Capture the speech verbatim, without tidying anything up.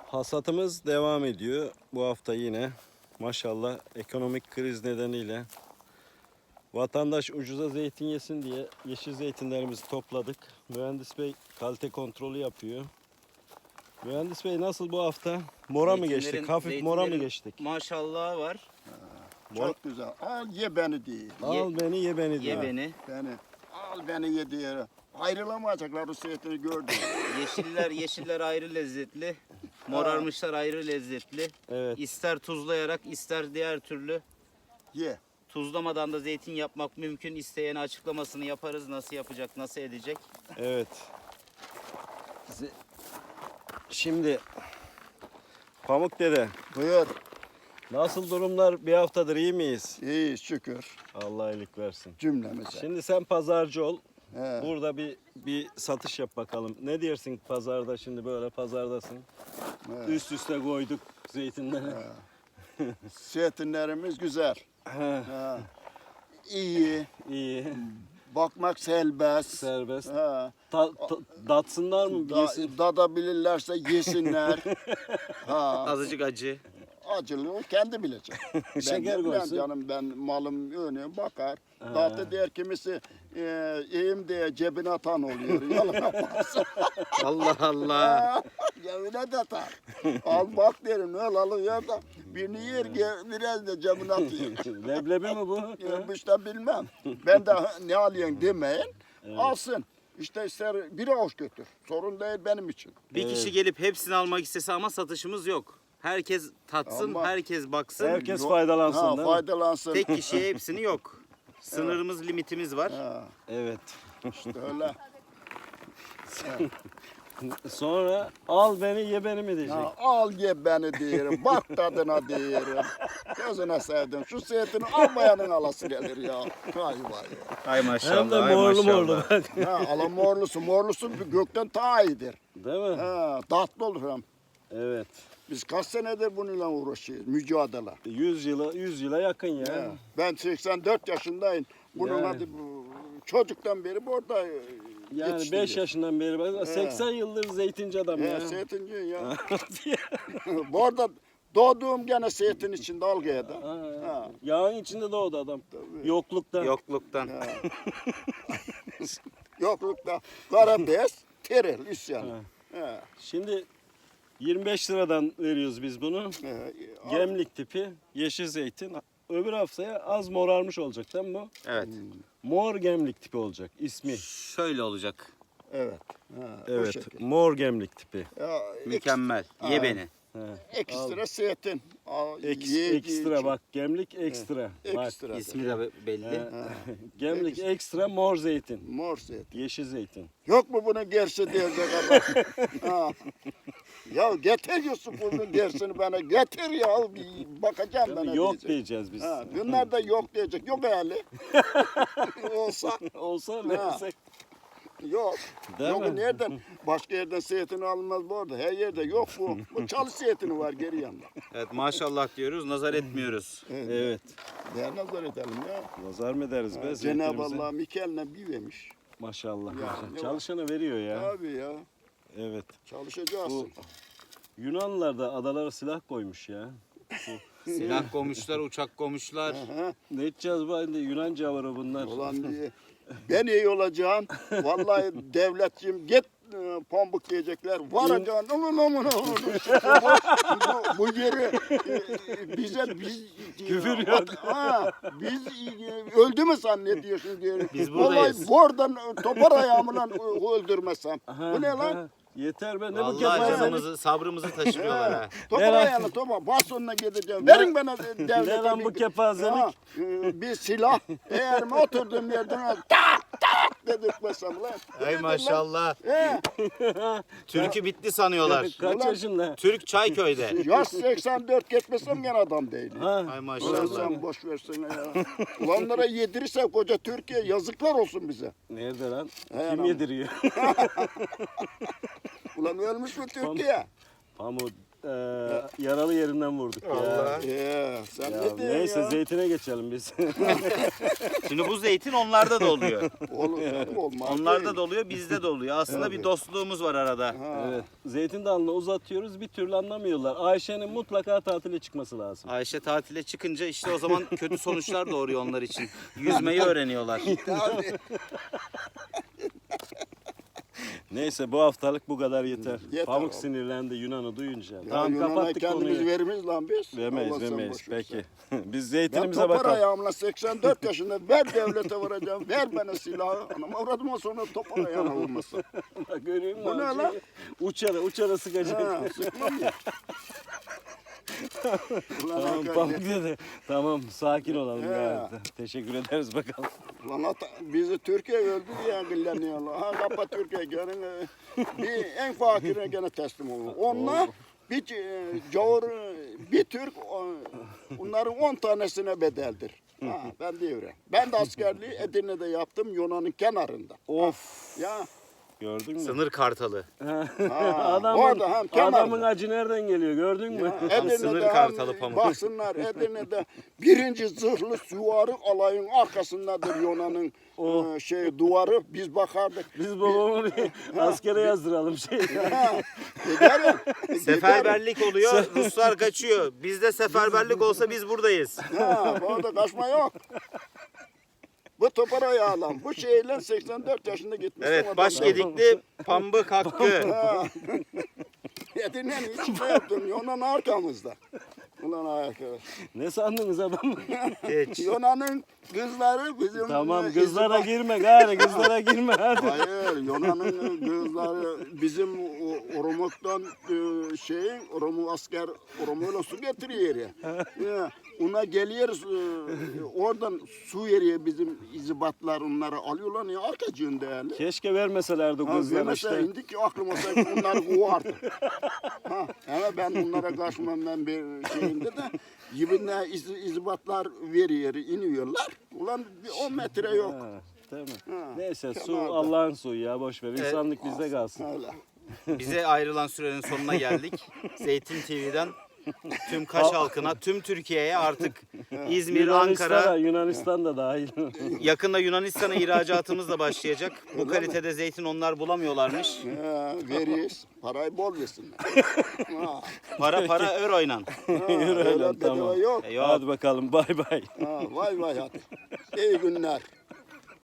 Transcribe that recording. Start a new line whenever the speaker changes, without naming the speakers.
Hasatımız devam ediyor. Bu hafta yine maşallah ekonomik kriz nedeniyle vatandaş ucuza zeytin yesin diye yeşil zeytinlerimizi topladık. Mühendis Bey kalite kontrolü yapıyor. Mühendis Bey nasıl bu hafta? Mora mı
Zeytinlerin-
geçtik? Hafif mora mı
zeytinlerin
geçtik?
Maşallah var.
Çok güzel. Al ye beni değil.
Al beni ye beni
Ye
diyor.
beni.
Beni. Al beni ye diye. Ayrılamayacaklar o zeytini gördüm.
Yeşiller yeşiller ayrı lezzetli. Morarmışlar ayrı lezzetli.
Evet.
İster tuzlayarak ister diğer türlü.
Ye.
Tuzlamadan da zeytin yapmak mümkün. İsteyene açıklamasını yaparız. Nasıl yapacak, nasıl edecek.
Evet. Ze- Şimdi Pamuk Dede,
Buyur.
nasıl durumlar? Bir haftadır iyi miyiz?
İyi şükür
Allah iyilik versin.
cümlemize.
Şimdi sen pazarcı ol.
He.
Burada bir bir satış yap bakalım. Ne dersin pazarda, şimdi böyle pazardasın.
He.
Üst üste koyduk zeytinleri.
Zeytinlerimiz güzel.
He,
Ha. İyi.
İyi.
Bakmak serbest.
Serbest.
Ha.
Ta, ta, datsınlar mı?
Da,
Yesin.
dadabilirlerse yesinler. ha.
Azıcık acı.
Acılığı kendi bilecek. Ben
Şeker
ne bileyim
koysun.
canım, ben malım önüne bakar. Tatlı der kimisi e, iyiyim diye cebine atan oluyor. Yalına baksın.
Allah Allah.
Cebine de atar. Al bak derim öyle alıyor da birini yer ge- biraz da cebine atıyor.
Leblebi mi bu?
Ya, işte bilmem. Ben de ne alıyorsun demeyin. Alsın. İşte ister bir avuç götür. Sorun değil benim için.
Bir kişi gelip hepsini almak istese ama satışımız yok. Herkes tatsın,
Ama-
herkes baksın.
Herkes
Yok.
faydalansın
Ha,
değil mi?
faydalansın.
Tek kişiye hepsini yok. Sınırımız, limitimiz var.
Ha,
Evet.
işte öyle.
Sonra al beni ye beni mi diyecek?
Ya al ye beni diyelim, bak tadına diyelim. Gözüne sevdim. Şu zeytini almayanın alası gelir ya. Vay vay.
Ay maşallah.
Hem de
ay
morlu
maşallah.
morlu bak.
Ha, ala morlusu, morlusu bir gökten ta iyidir.
Değil mi?
Ha, tatlı olur hem.
Evet.
Biz kaç senedir bununla uğraşıyoruz, mücadele.
yüz yıla yüz yıla yakın ya.
Ha, ben seksen dört yaşındayım. Bunun
Yani.
adı bu, çocuktan beri burada e,
Yani beş
yetiştiriyor.
yaşından beri bak seksen yıldır zeytinci adam
He,
ya.
zeytinci ya. Bu arada doğduğum gene zeytin içinde Algıya'da.
Ha,
Ha.
Yağın içinde doğdu adam. Yokluktan.
Yokluktan.
Ha. Yoklukta kara bez, teril, isyan.
Ha.
Ha.
Şimdi yirmi beş liradan veriyoruz biz bunu.
Ha.
Gemlik tipi yeşil zeytin. Öbür haftaya az morarmış olacak değil mi bu?
Evet.
Mor gemlik tipi olacak ismi.
Şöyle olacak.
Evet. Ha, o
Evet,
şekil.
mor gemlik tipi.
Ya,
Mükemmel. Ye
Ha.
beni.
He.
Ekstra zeytin. Al,
Eks,
ye-
ekstra
ye-
bak gemlik ekstra. Bak.
Ekstra.
İsmi de belli.
He. Gemlik ekstra mor zeytin.
Mor zeytin.
Yeşil zeytin.
Yok mu bunun gerisi diyecek adam? Ha. Ya getir Yusuf'un gerisini bana. Getir ya. Bir bakacağım bana
Yok
diyecek.
diyeceğiz biz.
Ha, bunlar da yok diyecek. Yok hali. Olsa
Olsa versek.
yok.
Değil
yok
mi?
nereden? Başka yerden zeytin alınmaz bu arada. Her yerde yok bu. Bu çalı zeytini var geri yanında.
Evet maşallah diyoruz. Nazar etmiyoruz.
Evet.
Değer nazar edelim ya.
Nazar mı ederiz be
Cenab-ı
zeytinimize?
Allah Mikeline bir vermiş.
Maşallah.
Ya,
maşallah.
ne
Çalışanı veriyor ya.
Abi ya.
Evet.
Çalışacaksın.
Bu Yunanlılar da adalara silah koymuş ya.
Silah koymuşlar, uçak koymuşlar.
Aha.
Ne edeceğiz bu halde? Yunanca var o bunlar.
Ulan diye. Ben iyi olacağım. Vallahi devletçiyim. Git e, pambuk diyecekler. Varacaksın. Ulan ulan ulan. Bu, bu yeri e, bize biz
Küfür
e,
yok.
at- Ha, biz e, öldü mü zannediyorsun diye.
Biz
Vallahi
buradayız.
buradan topar ayağımla öldürmesem.
Aha,
Bu ne lan?
aha. Yeter be ne bu
Vallahi
kepazelik?
canımızı, sabrımızı taşırıyorlar ha.
Topar
Ver lan.
ayağını topar. Bas sonuna gideceğim. Verin bana devlete.
Ne lan bu
bir-
kepazelik?
Ha, e, bir silah. Eğer mi oturduğum yerden tak tak dedirtmesem lan.
Ay
Nedir lan?
maşallah.
He.
Türkü bitti sanıyorlar.
Kaç
Ulan-
yaşında?
Türk Çayköy'de.
Yaş seksen dört geçmesem gene adam değil.
Ha.
Ay
Ulan
maşallah.
sen boş versene ya. Ulanlara yedirirse koca Türkiye yazıklar olsun bize.
Nerede lan?
He,
Kim
lan.
yediriyor?
Ulan ölmüş mü Türkiye?
Pamuk e, yaralı yerinden vurduk ya.
Allah.
Ee, sen
Ya
ne diyorsun
neyse
ya?
zeytine geçelim biz.
Şimdi bu zeytin onlarda da oluyor.
Olur, canım, olmaz
Onlarda
değil.
da oluyor, bizde de oluyor. Aslında bir dostluğumuz var arada.
Ha.
Evet. Zeytin dalını uzatıyoruz bir türlü anlamıyorlar. Ayşe'nin mutlaka tatile çıkması lazım.
Ayşe tatile çıkınca işte o zaman kötü sonuçlar doğuruyor onlar için. Yüzmeyi öğreniyorlar.
Abi,
Neyse bu haftalık bu kadar yeter.
Yeter
Pamuk
oğlum.
sinirlendi Yunan'ı duyunca.
ya
tamam
Yunan'a
kapattık
kendimiz
konuyu.
vermeyiz lan biz.
Veremeyiz
Allah sen
veremeyiz.
boş ver
Peki.
sen.
Biz
Ben
zeytinimize
topar
bakalım.
ayağımla seksen dört yaşında ver devlete vuracağım. Ver bana silahı. Anam avradıma sonra topar ayağına vurmasın.
Bak görüyor musun?
Bu ne
abi?
lan?
Uçara uçara sıkacak.
Ha, sıkmam ya. Ulan
Tamam
hakikaten.
Pamuk dedi. Tamam sakin olalım
He.
gayet. Teşekkür ederiz bakalım.
Lan ata- bizi Türkiye öldü diye gilleniyorlar. Ha kapa Türkiye gelin. e, Bir en fakire gene teslim olun. Onlar bir e, cavur bir Türk o- onların on tanesine bedeldir. Ha, ben diyorum. Ben de askerliği Edirne'de yaptım Yunan'ın kenarında.
Of.
Ya
Gördün mü?
Sınır kartalı.
ha,
adamın,
orada hem kenarda.
adamın acı nereden geliyor gördün mü?
Ya, Edirne'de
sınır
hem
kartalı pamuk.
baksınlar Edirne'de birinci zırhlı süvari alayın arkasındadır Yunan'ın
Oh.
e, şey duvarı biz bakardık.
Biz babamı askere yazdıralım şey.
Ha, giderim. giderim.
Seferberlik oluyor, Ruslar kaçıyor. Bizde seferberlik olsa biz buradayız.
Ha, orada kaçma yok. Bu topar ayağlan. Bu şeyle seksen dört yaşında gitmiş.
Evet, Başgedikli Pambık Hakkı.
Ha. Edirne'nin içinde yaptım. Yunan arkamızda. Ulan arkadaş.
Ne sandınız adam?
Hiç.
Yunan'ın kızları bizim...
Tamam
e,
kızlara
izba-
girme gari kızlara girme hadi.
Hayır, Yunan'ın kızları bizim o- Oromuk'tan e, şeyin, Oromu asker, Oromuyla su getiriyor ya. Ya, ona geliyoruz, e, oradan su veriyor bizim izibatlar onları alıyorlar ya arkacığın değerli.
Keşke vermeselerdi
Ha,
kızlara
mesela
işte.
indik ki aklım olsaydı onları kovardım. Ha, ama ben onlara kaçmam ben bir şeyinde de yibinde iz, izibatlar veriyor, iniyorlar. Ulan bir on metre yok.
Ha, değil mi?
Ha,
Neyse su
kenarda.
Allah'ın suyu ya boş ver. İnsanlık bizde kalsın.
Öyle.
Bize ayrılan sürenin sonuna geldik. Zeytin T V'den tüm Kaş halkına, tüm Türkiye'ye artık İzmir,
Yunanistan'a,
Ankara,
Yunanistan da dahil.
yakında Yunanistan'a ihracatımız da başlayacak. Bu kalitede zeytin onlar bulamıyorlarmış.
Ha, veririz. Parayı bol versinler. Ha,
Para para euroyla.
ha,
Yürü
öyle
öyle,
bedava
tamam.
yok.
E, yok.
Hadi bakalım bay bay.
Ha, vay vay hadi. İyi günler.